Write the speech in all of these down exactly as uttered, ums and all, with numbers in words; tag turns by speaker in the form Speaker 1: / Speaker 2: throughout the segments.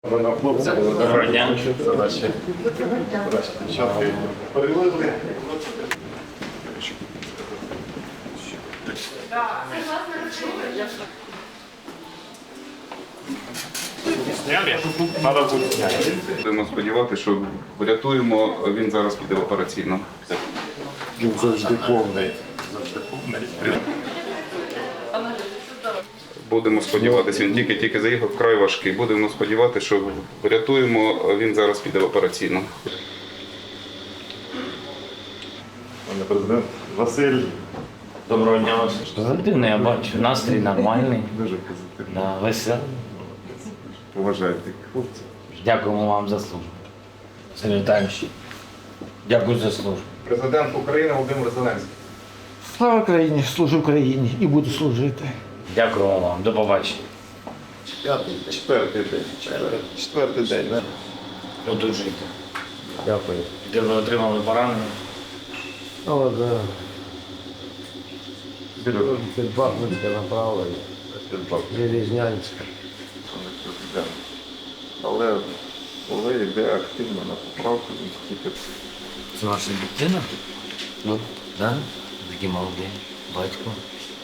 Speaker 1: Доброго дня.
Speaker 2: Задачі. Задачі. Перевезли.
Speaker 3: Будемо сподіватися, що врятуємо, він зараз піде в операційну.
Speaker 2: Він завжди повний. Завжди повний.
Speaker 3: Будемо сподіватися, він тільки-тільки заїхав, вкрай важкий. Будемо сподіватися, що врятуємо, він зараз піде в операційну.
Speaker 2: Пане президент Василь.
Speaker 1: Доброго дня вас. Позитивно, я бачу. Настрій нормальний.
Speaker 2: Дуже позитивно.
Speaker 1: Да, веселий.
Speaker 2: Поважайте хлопців.
Speaker 1: Дякуємо вам за службу. Сергій Віталійович, дякую за службу.
Speaker 4: Президент України Володимир Зеленський.
Speaker 5: Слава Україні, служу Україні і буду служити.
Speaker 1: Дякуємо вам. До побачення.
Speaker 2: П'ятий, четвертий день. Четвертий день. да?
Speaker 1: Одужуйте. Дякую. Де ви отримали поранення?
Speaker 6: О, да. Під Бахмутське направлення, Железнянське.
Speaker 2: Пане президент. Але коли йде активно на поправку, він тільки
Speaker 1: Це ваша дитина? Ну. Да? Такі молоді. Батько.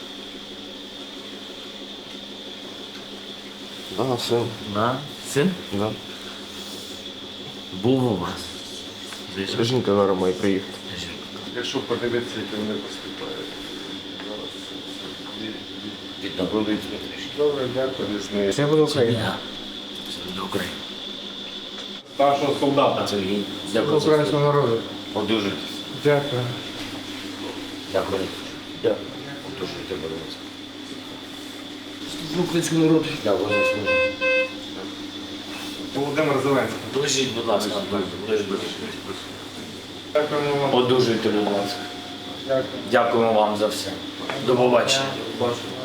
Speaker 6: Да, син.
Speaker 1: Да? Син?
Speaker 6: Да.
Speaker 1: Був у вас. Ближче.
Speaker 6: Жінка зараз має приїхати.
Speaker 2: якщо подивитися, як вони поступають. Зараз
Speaker 1: Відновили трішки.
Speaker 2: добре, дякую. Різний.
Speaker 6: Це буде Україна.
Speaker 1: Я. Це до України.
Speaker 4: Старшого солдата.
Speaker 1: Сергій, дякую за
Speaker 6: Українського
Speaker 1: службу.
Speaker 6: народу.
Speaker 1: Одужуйтесь.
Speaker 6: Дякую.
Speaker 1: Дякую. Дякую. Одужуйте, будь ласка.
Speaker 6: Служу українському народу.
Speaker 1: Дякую за службу.
Speaker 4: Володимир Зеленський.
Speaker 1: Ближіть, будь ласка. Ближіть.
Speaker 4: Дякуємо вам.
Speaker 1: Одужуйте, будь ласка.
Speaker 4: Дякую.
Speaker 1: Дякуємо вам за все. До побачення.
Speaker 4: Бачу.